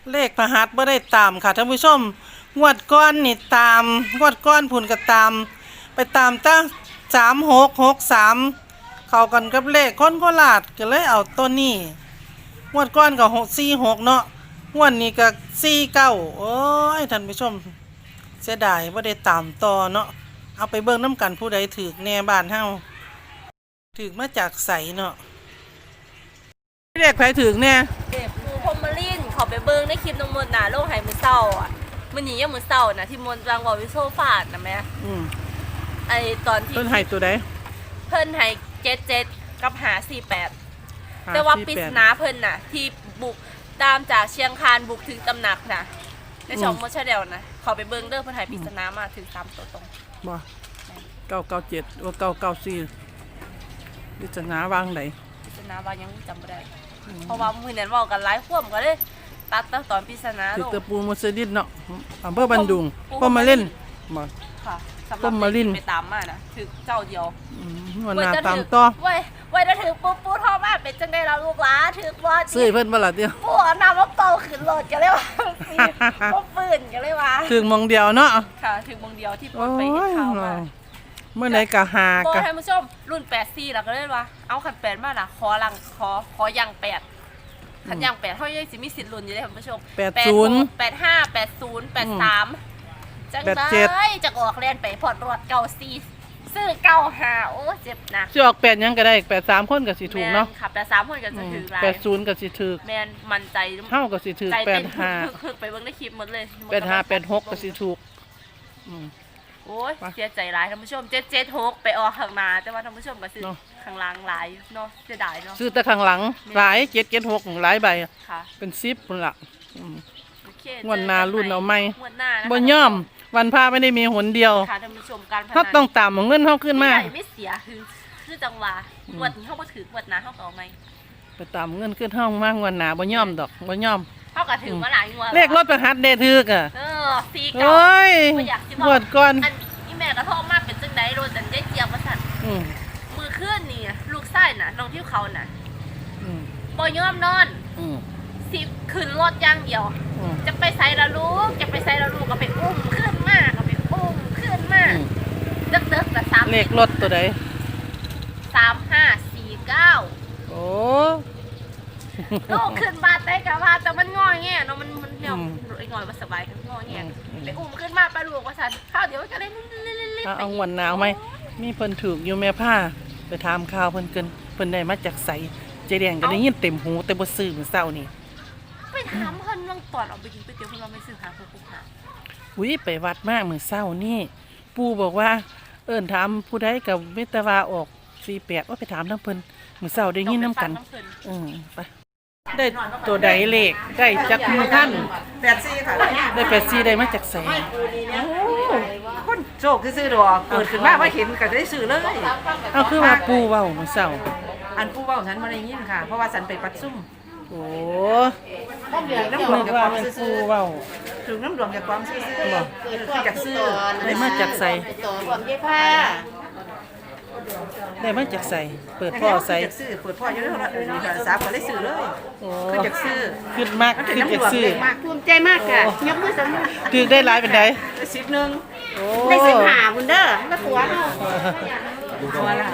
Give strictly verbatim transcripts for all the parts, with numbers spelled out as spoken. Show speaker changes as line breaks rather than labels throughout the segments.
เลขพหัสบ่ได้ตามค่ะท่านผู้ชมงวดก้อนนี่ตามงวดก้อนผุนก็ตามไปตามตั้งสามหกหกสามเข้ากันกับเลขคนโคราชก็เลยเอาตัวนี้งวดก้อนก็หกสี่หกเนาะงวดนี้ก็สี่เก้าโอ้ยท่านผู้ชมเสียดายบ่ได้ตามต่อเนาะเอาไปเบิ่งน้ำกันผู้ใดถือแน่บ้านเฮาถือมาจากใสเนาะเลขใครถือแน่
เด็กปูพรมลินเขาไปเบิ้งในคลิปน้องมนต์น่ะโลกไหมือเศร้าอ่ะมันหนียังมือเศร้านะที่มนต์รังวอวิโซฟาดนะแม่
อืม
ไอตอนที่
เพิ่นให้ตัวใด
เพิ่นให้เจ็ดเจ็ดกับหาสี่แปดแต่ว่าปริศนาเพิ่นน่ะที่บุกตามจากเชียงคานบุกถึงตำหนักนะในช่องมดชาเดลนะเขาไปเบิ้งเด้อเพิ่นให้ปริศนามาถึงสามตัวตรง
บ่เก้าเก้าเจ็ดว่าเก้าเก้าสี่ปริศนาวางไหน
ปริศนาว่ายังจำไม่ได้เพราะว่ามือนั้นเว้ากันหลายควมก็เลยตัดตอนปริศนา
ถือตะปูมุสลิดเนาะอำเภอบันดุงพ่อมาเล่นบ่
ค่ะสำหรับเล่นไปตามมานะถือเจ้าเดียว
วันหน้าตามต่อ
ไว้ไว้จะถือปูปูทอมาเป็นจังได้เราลูกหลานถือว่า
ซื้อเพิ่นบ่ล่ะเดียว
ปูเอาน้ำมาเป่าขึ้นรถกันเลยว่าปูปืนกันเลยว่า
ถึงมองเดียวเนาะ
ค่ะถึงมองเดียวที่ปูไปเห็นข่าวมา
เมื่อไหร่ก็หา
กันท่านผู้ชมรุ่นแปดสี่แล้วก็เลยว่าเอาขันแปดมาน่ะขอลังขอขอยังแปดขันยังแปดเท่ายังสิมีสิทธิ์ลุ้นอยู่เลยท่านผู้ชม
แปดศูนย์
แปดห้าแปดศูนย์แปดสามจังได้จะออกเรียนไปพอดรถเก้าสี่ซื้อเก้าห้าโอ้เจ็บหนัก
สิออกแปดยังก็ได้แปดสามคนก็สิถูกเนาะ
ค่ะแปดสามคนก็จะถือหลาย
แปดศูนย์ก็สิถูก
แม่นมั่นใจ
เฮาก็สิถูกแปดห้า
ไปเบิ่งในคลิปหมดเลย
แปดห้าแปดหกก็สิถูกอืม
โอ้ยเสียใจหลายท่านผู้ชมเจ็ดเจ็ดหกไปออกข้างหน้าแต่ว่าท่านผู้ชมก็ซื้อข้างหลังหลายเนาะเสียดายเนาะ
ซื้อแต่ข้างหลังหลายเจ็ดเจ็ดหกหลายใบ
ค่ะ
เป็นสิบพุ่นล่ะ
ง
วดหน้ารุ่นเอาใหม่
บ่
ยอมวันพาไม่ได้มีหนเดียว
ค่ะท่านผู้ชมการพนัน
เฮาต้องตามเงินเฮาขึ้นมา
ไม่เสียคือคือจังหวะงวดนี้เฮาบ่ถืองวดหน้าเฮาก็เอาใหม่
ไปตามเงินขึ้นเฮามางวดหน้าบ่ยอมดอกบ่ยอม
เฮาก็ถือมาหลายงวด
เลขรถประหัสได้ถึกอ่ะ
เออสี่เก้า
โอ้ยงวดก่อน
อีแม่ก็โทรมาเป็นจังได๋โดนจังได้เจียบว่าซั่นอือมื้อคืนนี่ลูกชายน่ะน้องที่เขาน่ะอือบ่ยอมนอนอือสิขึ้นรถอย่างเดียวจะไปไสล่ะลูกจะไปไสล่ะลูกก็ไปอุ้มขึ้นมาก็ไปอุ้มขึ้นมาดึกๆแต่สาม
เลขรถตัวใด
สามห้าสี่เก้า
โอ้
ลูกขึ้นมาได้กะว่าแต่มันงอแงเนาะมันมันเดี๋ยวไอ้งอยมันสบายกันงอแงไปอุ้มขึ้นมาไปลูกว่าซั่นข้าวเดี๋ยวก็ได้
เอางวดหนาวมั้ยมีเพิ่นถูกอยู่แม่ผ้าไปถามข่าวเพิ่นเกินเพิ่นได้มาจากไสเจแดงก็ได้ยินเต็มหูแต่บ่ซื้อมื้อเช้านี่
ไปถามเพิ่นลองตอนออกไปกินก๋วยเตี๋ยวเพิ่นว่าไม่ซื้อหาผู้หา
อุ้ยไปวัดมามื้อเช้านี่ปู่บอกว่าเอิ้นถามผู้ใดก็มีแต่ว่าออกสี่แปดว่าไปถามนำเพิ่นมื้อเช้าได้ยินนำกันเออไปได้ตัวใดเลขได้จักมือท่าน
แปดสี่ค่ะ
ได้แปดสี่ได้มาจากไส
คนโชคซื้อดอกเกิดขึ้นมาว่าเห็นก็ได้ซื้อเลย
เอาคือว่าปู่เว้ามื้อเช้า
อันปู่เว้าฉันบ่ได้ยินค่ะเพราะว่าฉันไปปัดซุ่ม
โอ้
น้ำดวงจากความ
ปู
ซื้อ
เว้า
ถึงน้ำดวงจากความซื้อบ่คือจากซื้อ
ได้มาจากใส่ได้มาจากใส่เปิดพ่อใส่
จากซื้อเปิดพ่ออยู่แล้วนี่ค่ะสาวก็ได้ซื้อเลยคือจากซื้อ
ขึ้นมากขึ้นจากซื้อ
ภูมิใจมากค่ะยกมือสนุก
ถือได้หลายเป็นได
สิบนึง
ได้
สิบห้าบุญเด้อแล้วตัวเฮาตัวละ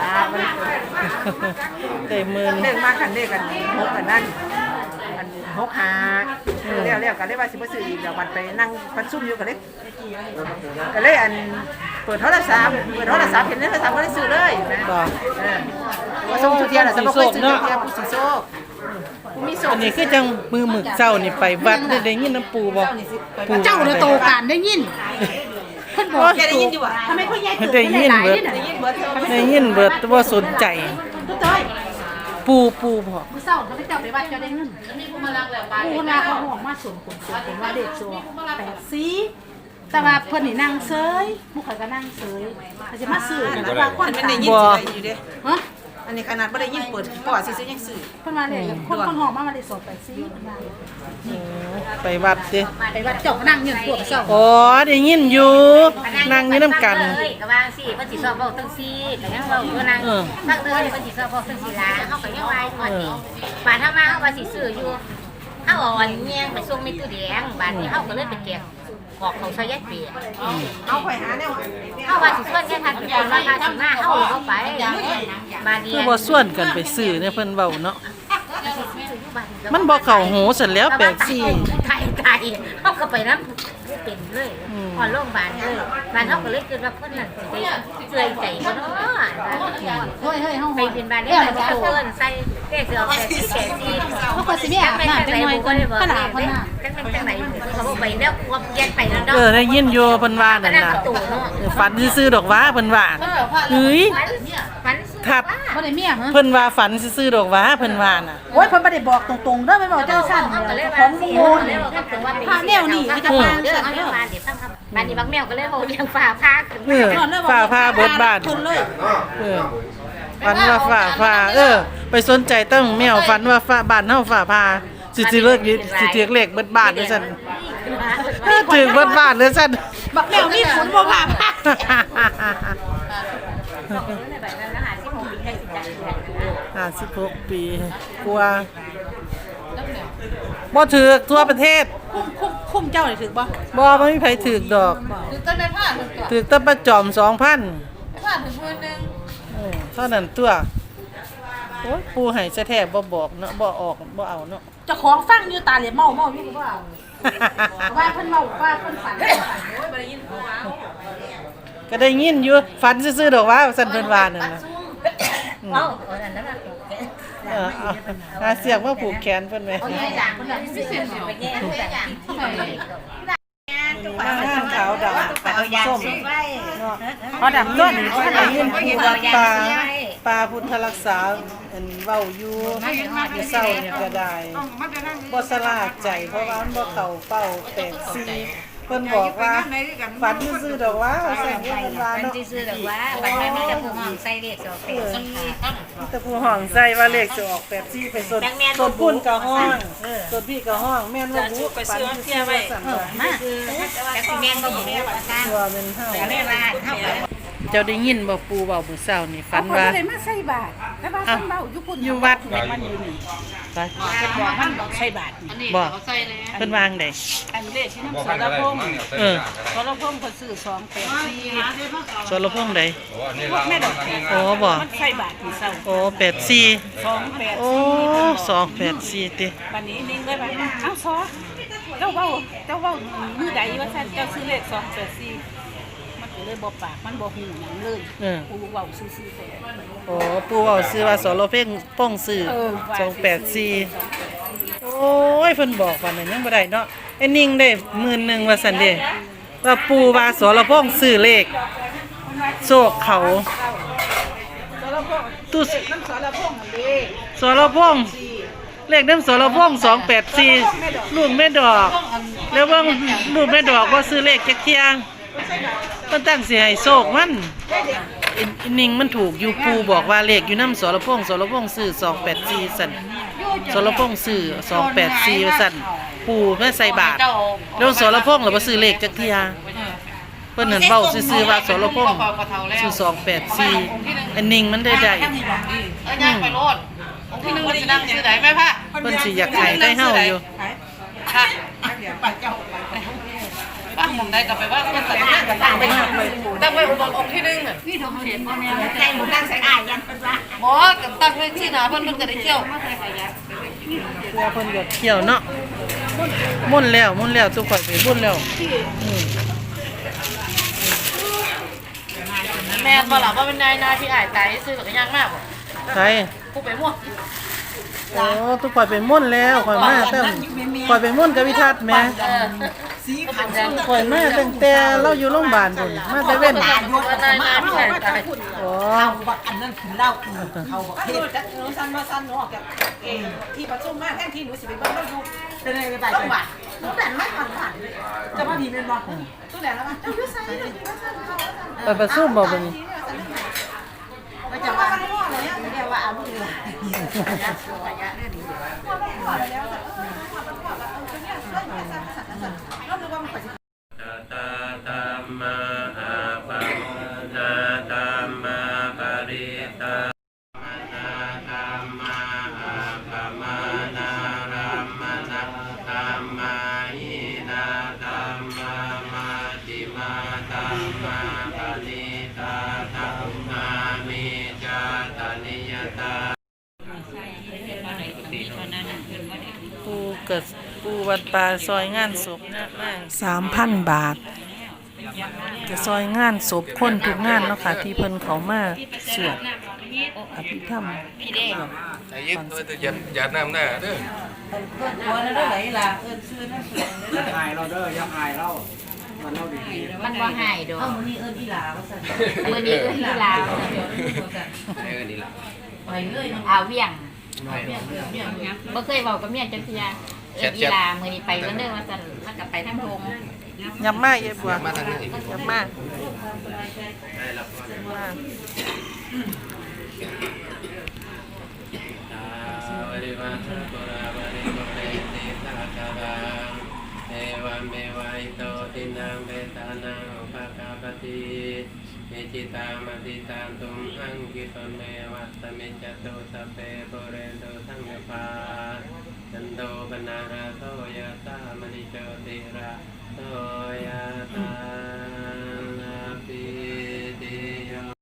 ได้หมื่น
เด้งมากคันเด้กันหกกันนั่นอันหกหาแล้วแล้วก็เลยว่าสิบ่ซื้ออีกแล้วมันไปนั่งปัดซุ่มอยู่ก็เลยก็เลยอันเปิดโทรศัพท์เปิดโทรศัพท์เห็นโทรศัพท์ก็ได้ซื้อเลยนะเออว่าส่งทุเรียนน่ะสมมุติเคยซื้อทุเรียนผู้สิโซกผู้มีโซก
อันนี้คือจังมือหมึกเจ้านี่ไปวัดได้ยินน้ำปูบ่
ปูเจ้าน่ะโตกันได้ยินเพิ่นบอก
ได้ยินอยู่อ่ะทำไมเพิ่นใหญ่ตื่น
ได้ยินเบิด
ได้ยินเบิด
ได้ยินเบิดบ่สนใจปูปูบ่
มื้อเช้าเขาไปเจ้าไปวัดเจ้าได้เงินมีผู้มาลักแล้วบาดผู้มาเขาห้องมาส่งคนส่งคนว่าเด็กซัวแปดสี่แต่ว่าเพิ่นนี่นั่งเซยผู้ข่อยก็นั่งเซยเขาจะมาซื้อนะว่าคน
มันได้ยินสิได้อยู่เด้
ฮะ
อันนี้ขนาดบ่ได้ยินเปิดปอดซื่อๆยังซื้อ
เพิ่นมาเลยคนคนห้องมามาได้สอบแปดสี่เพิ่นว่า
ไปวัดสิ
ไปวัดเจ้าก็นั่งอยู่พวกเจ้า
อ๋อได้ยินอยู่นั่งอยู่นำกัน
ก็ว่าสิเพิ่นสิสอบเว้าจังซี่ก็ยังเว้าอยู่นั่งฟังเด้อเพิ่นสิสอบเว้าจังซี่ล่ะเฮาก็ยังว่าก่อนนี่บาดเฮามาเฮาว่าสิซื้ออยู่หเฮาเอาอันแยงไปส่งในตู้แดงบ้านนี้เฮาก็เลยไปแกะออกเขาซอยยายเปีย
เอาข่อยหาแนว
เฮาว่าสิส่วนแค่ทางเป็นคนว่าค่าสิมาเฮาบ่ไปบ้านนี้
คือบ่ส่วนกันไปซื้อเนี่ยเพิ่นเว้าเนาะมันบ่เข้าหูเสร็จแล้วแปดสี่
ไทยไทยเฮาก็ไปนำเป็นเลยพอโรงพยาบาลเลยบ้านเฮาก็เลยคิดว่าเพิ่นนั่นสิได้เสื่อยใจบ่เนาะ
เฮ้ยเฮ้ยเฮา
ไปเป็นบ้านได้ไปเพิ่นใส่เลขเสือแปดสี่แปดสี่
เขาก็สิมีอาบน้ำจังหน่อยก่อนขนาดขนาด
จังเป็นจังไหนเขาบอกไปแล้วควบยันไปแล้วเนาะ
เออได้ยินอยู่เพิ่นว่านั่นน่ะเออฝันซื่อๆดอกหว่าเพิ่นว่าเฮ้ย
ฝัน
ครับ
บ่ได้เมียฮะ
เพิ่นว่าฝันซื่อๆดอกหว่าเพิ่นว่าน่ะ
โอ้ยเพิ่นบ่ได้บอกตรงๆเด้อไม่บอกจังซั่นเด้อของโมนพาแนวนี่ก็จะพา
เด้อ
ซั่น
เอา
เด้อ
บ้านเดี๋ยวฟังครับบ้านนี้บางแมวก็เลยโหเลี้ยงฟ้าพาขึ้น
เออฝ่าผ้าเบิดบ้าน
เพิ่นเลย
เออฝันว่าฝ่าผ้าเออ ไปสนใจตั้งแมวฝันว่าฝ่าบ้านเฮาฝ่าผ้าสิสิเลิกสิถือเลขเบิดบ้านเด้อซั่นถึงเบิดบ้านเด้อซั่น
บักแมวมีขนบ่พาพา
ห้าสิบหกปีกลัวบ่ถือกทั่วประเทศ
คุ้มคุ้มคุ้มเจ้านี่ถึกบ่
บ่บ่มีไผถือกดอก
ถึกต้นในผ้าถึกตัว
ถือกแตะประจอมสองพัน
ผ้าถึงมื้อนึง
เออเท่านั้นตัวโอ้ยปูให้ซะแท้บ่บอกเนาะบ่ออกบ่เอาเนาะ
เจ้าของฟังอยู่ตาเหลียเมาเมาอยู่ก็บ่เอาว่าเพิ่นเมาว่าเพิ่นฝันโอ้ยบ่ได้ยินเขาว่า
ก็ได้ยินอยู่ฝันซื่อๆดอกว่าซั่นเพิ่นว่านั่นน่ะ
เอ้าเอาอันนั้นน่ะ
เออเอาหาเสียกมาผูกแขนเพิ่นไว้
เอาแย่จางคนละที่ซื้อไปแย่ทุกอย่าง
มาห้างขาวดำปลาส้มเนาะ
เอาดำต้นนี่
ก็ได้ยินผู้วัดป่าป่าพุทธรักษาอันเว้าอยู่อยู่เศร้าเนี่ยก็ได้บ่สลาดใจเพราะว่ามันบ่เข้าเป้าแปดสี่เพิ่นบอกว่าฝันซื่อๆดอกว่าแซ่บเพิ่นว่า
มัน
เนาะ
จะซื้อแบบว่าบางทีมีแต่ผู้ห้องใส่เลขสองแปดสี่
แต่ผู้ห้องใส่ว่าเลขจะออกแปดสี่ไปสดสดพุ่นก็ห้องสดพี่ก็ห้องแม่นว่าบุไปซื้อเที่ยวไว้สั่นว่า
มาคือแต่คุณแม่ก็อยู่ในประการ
ตัวเป็นเฮา
แต่เรียกว่าเท่ากับ
เจ้าได้ยินบ่ปูเว้ามื้อเช้านี่ฝัน
เพิ่น
ว่า
บ่ได้มาใส่บาตรแต่ว่าเพิ่นเมาอยู่พุ่น
อยู่วัด
มันอยู่นี่
ไป
เพิ่นบอกมันบอกใส่บาตรนี่
บ่เพิ่นวางได้
อันเลขที่น้ำสารพงษ์
เออ
สารพงษ์เพิ่นซื้อสองแปดสี่
สรพงษ์ใด
พวกแม่ดอกแขก
โอ้บ่
มันใส่บาตรที่เศร้า
โอ้แปดสี่
สองแปด
โอ้สองแปดสี่ติ
บัดนี้นิ่งเลยว่าเอ้าซอเจ้าเว้าเจ้าเว้ามือใดว่าซั่นเจ้าซื้อเลขสองแปดสี่มันก็เลยบ่ปากมันบ่ฮู้หยังเลย
เออ
กูเว้าซื่อๆแต่
โอ้ปูเว้าซื้อว่าสรเพ่งป้องซื้อ
เออ
สองแปดสี่โอ้ยเพิ่นบอกว่านั้นยังบ่ได้เนาะไอ้นิ่งได้หมื่นหนึงว่าซั่นเด้ว่าปูว่าสรพงษ์ซื้อเลขโชคเขา
สารพงษ์
ตู้
น้ำสารพงษ์นั่นเด้
สรพงษ์เลขน้ำสรพงษ์สองแปดสี่ลูกแม่ดอก แล้วเบิ่งลูกแม่ดอกบ่ซื้อเลขจักเที่ยเพิ่นตั้งสิให้โชคมันอินอินนิ่งมันถูกอยู่ปูบอกว่าเลขอยู่น้ำสรพงษ์สรพงษ์ซื้อสองแปดสี่สั่นสรพงษ์ซื้อสองแปดสี่สั่นปูแม่ใส่บาทแล้วสรพงษ์ล่ะบ่ซื้อเลขจักเที่ยเพิ่นนั่นเว้าซื่อๆว่าสรพงษ์ซื้อสองแปดสี่อันนิ่งมันได้ได้
เอ้ยย่างไปโลดองค์ที่หนึ่งมันสินั่งซื้อไหนไหมพ่ะ
เพิ่นสิอยากให้ได้เฮาอยู่
ค่ะป้าหมองได้กลับไปว่าเพิ่นใส่หน้ากันตั้งไปตั้งไว้องค์องค์ที่หนึ่งอ่ะ
ใจหมูนั่งใส่อายยันเป็นว่า
หมอกับตั้งไว้ที่หนาเพิ่นเพิ่นก็ได้เที่ยว
กลัวเพิ่นก็เที่ยวเนาะมุ่นแล้วมุ่นแล้วทุกข่อยไปมุ่นแล้วอืม
แม่นบ่ล่ะว่าเป็นนายนาที่อายตายซื้อกับย่างมากบ่
ใช่
ผู้ไปม่วง
โอ้ทุกข่อยไปมุ่นแล้วข่อยมาเต็มข่อยไปมุ่นกับวิทัศน์แหม่
เออสีขาวจัง
ข่อยมาตั้งแต่เราอยู่โรงพยาบาลพุ่นมาแต่เว้น
นายนาที่อายตาย
โอ้
อันนั้นถึงเล่าเขาบอกเฮ็ดจักหนูสั้นบ่สั้นหนูออกจากเองที่ประชุมมาแทนที่หนูสิไปเบิ่งเราอยู่จะได้ไปจังหวัดหนูแต่นไม่ผ่านผ่านเลยจะมาทีเป็นบ่ตู้แดนแล้วป่ะเจ้าอยู่ไสเจ้าอยู่ไสเขา
ไปประชุมบ่บัดนี้
ไปจังหวัดอะไรเนี่ยเรียกว่าเอาลูกเลยเราดูว่ามัน
ตาธัมมาอาปัมนาธัมมาปริตานาธัมมาอาปมานารัมมนะมาหินาธัมมามาติมาธัมมาปณิตาธัมมามิจาตานิยตา
ปูเกิดปูวัดป่าซอยงานศพนะแม่สามพันบาทจะซอยงานศพคนทุกงานเนาะค่ะที่เพิ่นเขามาสวดอภิธรรม
ไอ้ยึดตัวจะยัดยัดน้ำหน้าเด้อ
หัวแล้วได้ไหลล่ะเอิ้นชื่อนั่น
อย่าอายเราเด้ออย่าอายเรามันเราดี
มันบ่หายดอก
เอ้ามื้อนี้เอิ้นอีหลาว่าซั่น
มื้อนี้เอิ้นอีหลา
เดี๋ยวนี้ว่าซั่น
เออนี่ล่ะ
ไปเลยเนาะ
เอาเวียง
เมียเมียเมียเมีย
บ่เคยเว้ากับเมียจักเที่ยเอิ้นอีหลามื้อนี้ไปวันเด้อว่าซั่นมันก็ไปทางทง
ยับมาเย็บบัว
มาทางนี้
ยับมา
ได้รับก่อน
มา
วริวาสปุราบริโภเรติสาคารังเอวัมเมวะอิโตตินังเบตานังอุปกาปติเอจิตามติตาตุมหังกิปเมวัตเมจตุสเปโปเรโตสังฆาจันโตปนาราโสยะตามณิโชติระโสยะตา